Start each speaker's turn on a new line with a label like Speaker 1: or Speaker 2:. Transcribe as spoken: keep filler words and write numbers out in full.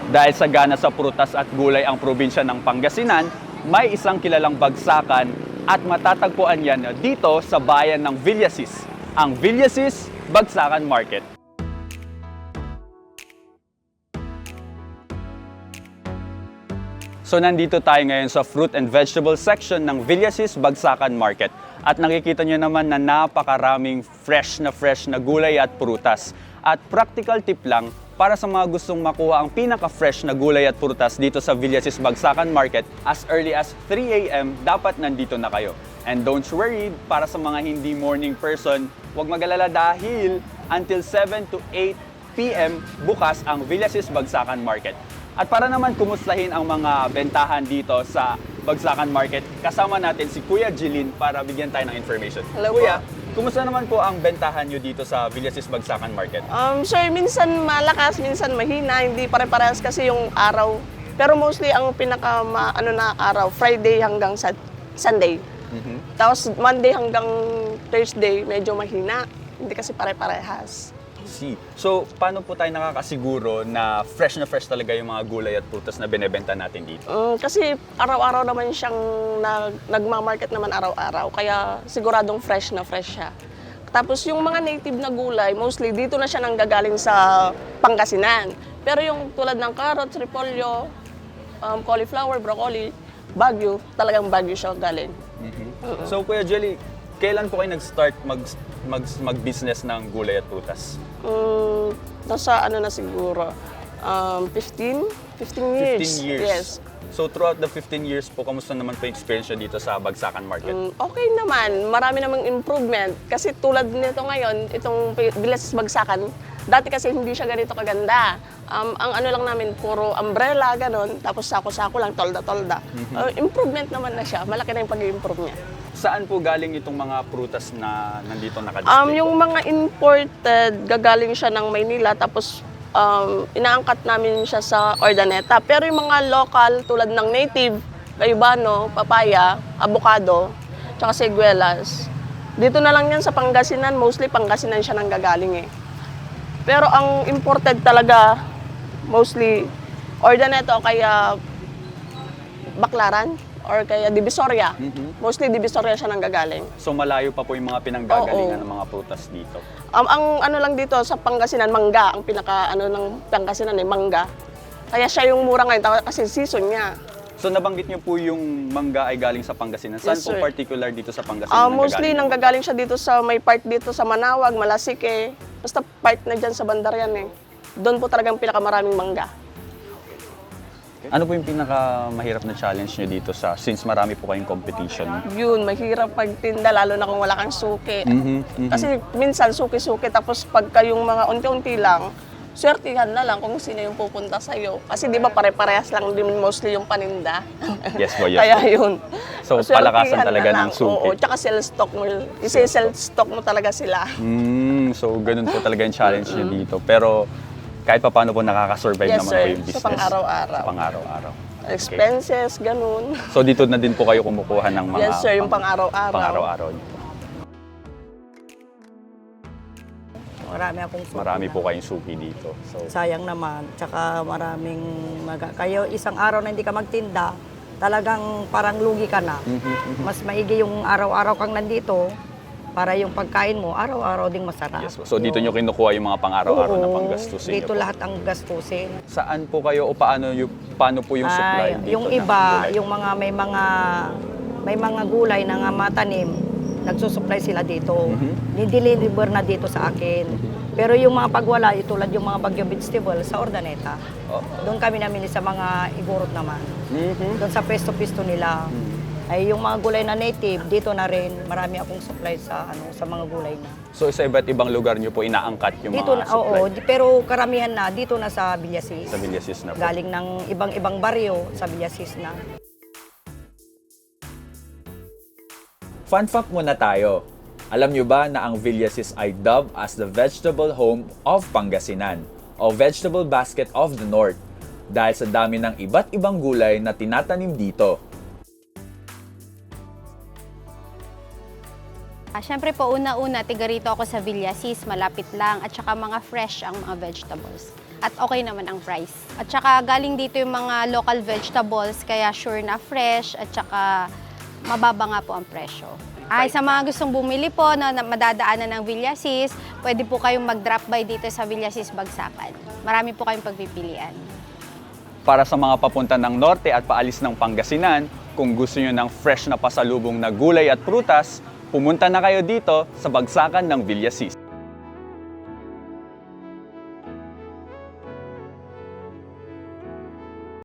Speaker 1: Dahil sagana sa prutas at gulay ang probinsya ng Pangasinan, may isang kilalang bagsakan at matatagpuan yan dito sa bayan ng Villasis, ang Villasis Bagsakan Market. So nandito tayo ngayon sa fruit and vegetable section ng Villasis Bagsakan Market. At nakikita nyo naman na napakaraming fresh na fresh na gulay at prutas. At practical tip lang, para sa mga gustong makuha ang pinaka-fresh na gulay at prutas dito sa Villasis Bagsakan Market, as early as three A M dapat nandito na kayo. And don't worry, para sa mga hindi morning person, huwag mag-alala dahil until seven to eight P M bukas ang Villasis Bagsakan Market. At para naman kumustahin ang mga bentahan dito sa Bagsakan Market, kasama natin si Kuya Jilin para bigyan tayo ng information.
Speaker 2: Hello,
Speaker 1: Kuya,
Speaker 2: po.
Speaker 1: kumusta naman po ang bentahan nyo dito sa Villasis Bagsakan Market?
Speaker 2: Um, sir, minsan malakas, minsan mahina, hindi pare-parehas kasi yung araw. Pero mostly ang pinaka ma, ano na araw, Friday hanggang sa Sunday.
Speaker 1: Mm-hmm.
Speaker 2: Tapos Monday hanggang Thursday, medyo mahina. Hindi kasi pare-parehas.
Speaker 1: See. So, paano po tayo nakakasiguro na fresh na fresh talaga yung mga gulay at prutas na binebenta natin dito?
Speaker 2: Um, kasi araw-araw naman siyang nag, nagma-market naman araw-araw. Kaya siguradong fresh na fresh siya. Tapos yung mga native na gulay, mostly dito na siya nanggagaling sa Pangasinan. Pero yung tulad ng carrots, repolyo, um, cauliflower, broccoli, Baguio, talagang Baguio siya galing.
Speaker 1: Mm-hmm. Uh-huh. So, Kuya Jelly, kailan po kayo nag-start mag, mag, mag-business ng gulay at prutas?
Speaker 2: Um, nasa ano na siguro, um, fifteen? fifteen years.
Speaker 1: fifteen years?
Speaker 2: Yes.
Speaker 1: So, throughout the fifteen years po, kamusta naman po yung experience nyo dito sa Bagsakan Market?
Speaker 2: Um, okay naman, marami namang improvement. Kasi tulad nito ngayon, itong Villasis Bagsakan, dati kasi hindi siya ganito kaganda. Um, ang ano lang namin, puro umbrella, ganon, tapos sako-sako lang, tolda-tolda.
Speaker 1: Mm-hmm.
Speaker 2: Uh, improvement naman na siya, malaki na yung pag-improve niya.
Speaker 1: Saan po galing itong mga prutas na nandito nakadisplay?
Speaker 2: Um, yung mga imported, gagaling siya ng Maynila, tapos um, inaangkat namin siya sa Ordaneta. Pero yung mga local, tulad ng native, gayubano, papaya, avocado, tsaka siguelas, dito na lang yan sa Pangasinan, mostly Pangasinan siya nanggagaling eh. Pero ang imported talaga, mostly Ordaneta o kaya Baclaran or kaya Divisoria.
Speaker 1: Mm-hmm.
Speaker 2: Mostly Divisoria siya nanggagaling.
Speaker 1: So, malayo pa po yung mga pinanggagalingan
Speaker 2: Oo.
Speaker 1: ng mga prutas dito?
Speaker 2: Um, ang ano lang dito sa Pangasinan, mangga. Ang pinaka ano ng Pangasinan ay mangga. Kaya siya yung mura ngayon kasi season niya.
Speaker 1: So, nabanggit niyo po yung mangga ay galing sa Pangasinan. Saan
Speaker 2: Yes,
Speaker 1: po
Speaker 2: sir.
Speaker 1: particular dito sa Pangasinan?
Speaker 2: Uh, mostly
Speaker 1: nanggagaling?
Speaker 2: nanggagaling siya dito sa may part dito sa Manawag, Malasike. Basta part na dyan sa Bandaryan eh. Doon po talagang pinakamaraming mangga.
Speaker 1: Ano po yung pinakamahirap na challenge nyo dito sa since marami po kayong competition?
Speaker 2: Yun, mahirap pagtinda lalo na kung wala kang suki.
Speaker 1: Mm-hmm, mm-hmm.
Speaker 2: Kasi minsan suki-suki tapos pagka yung mga unti-unti lang, swertihan na lang kung sino yung pupunta sa'yo. Kasi di ba pare-parehas lang din mostly yung paninda.
Speaker 1: Yes po, yes
Speaker 2: Kaya
Speaker 1: po.
Speaker 2: yun.
Speaker 1: So,
Speaker 2: Swertihan
Speaker 1: palakasan
Speaker 2: na
Speaker 1: talaga
Speaker 2: lang.
Speaker 1: ng suki.
Speaker 2: Oo, tsaka sell stock mo. Isi-sell stock mo talaga sila.
Speaker 1: Mm, so, ganun po talaga yung challenge nyo dito. Pero, kahit pa paano po nakaka-survive
Speaker 2: Yes,
Speaker 1: naman
Speaker 2: sir.
Speaker 1: po yung business.
Speaker 2: Sa pang-araw-araw.
Speaker 1: Sa pang-araw-araw. Okay.
Speaker 2: Expenses, ganun.
Speaker 1: So, dito na din po kayo kumukuha ng mga
Speaker 2: Yes, sir. Yung pang-araw-araw.
Speaker 1: pang-araw-araw nyo.
Speaker 3: Marami akong suki
Speaker 1: Marami
Speaker 3: na.
Speaker 1: po kayong suki dito. So,
Speaker 3: Sayang naman. Tsaka maraming, maga- kayo isang araw na hindi ka magtinda, talagang parang lugi ka na. Mas maigi yung araw-araw kang nandito, para yung pagkain mo, araw-araw ding masarap.
Speaker 1: yes po. So, dito nyo kinukuha yung mga pang-araw-araw na
Speaker 3: Oo,
Speaker 1: panggastusin nyo
Speaker 3: dito
Speaker 1: po.
Speaker 3: lahat ang gastusin.
Speaker 1: Saan po kayo o paano, yung, paano po yung supply
Speaker 3: Ay,
Speaker 1: dito?
Speaker 3: yung
Speaker 1: ng
Speaker 3: iba,
Speaker 1: gulay?
Speaker 3: yung mga may mga may mga gulay na nga matanim, nagsusupply sila dito.
Speaker 1: Mhm.
Speaker 3: Nideliver na dito sa akin. Pero yung mga pagwala, yung tulad yung mga Bagyo vegetable sa Ordaneta,
Speaker 1: Oh.
Speaker 3: doon kami namili sa mga igurot naman.
Speaker 1: Mhm.
Speaker 3: Doon sa pesto-pesto nila. Ay yung mga gulay na native, dito na rin, marami akong supply sa ano sa mga gulay na.
Speaker 1: So, sa iba't ibang lugar nyo po inaangkat yung
Speaker 3: Dito
Speaker 1: mga
Speaker 3: na, oo,
Speaker 1: supply?
Speaker 3: di- pero karamihan na dito na sa Villasis.
Speaker 1: Sa Villasis na po.
Speaker 3: Galing ng ibang-ibang baryo sa Villasis na.
Speaker 1: Fun fact muna tayo. Alam nyo ba na ang Villasis ay dubbed as the vegetable home of Pangasinan o vegetable basket of the North dahil sa dami ng iba't ibang gulay na tinatanim dito.
Speaker 4: Ah, Siyempre po, una-una, tiga rito ako sa Villasis, malapit lang, at saka mga fresh ang mga vegetables. At okay naman ang price. At saka galing dito yung mga local vegetables, kaya sure na fresh, at saka mababa nga po ang presyo. Ay, sa mga gustong bumili po na, na madadaanan ng Villasis, pwede po kayong mag-drop by dito sa Villasis Bagsakan. Marami po kayong pagpipilian.
Speaker 1: Para sa mga papunta ng norte at paalis ng Pangasinan, kung gusto nyo ng fresh na pasalubong na gulay at prutas, pumunta na kayo dito sa Bagsakan ng Villasis.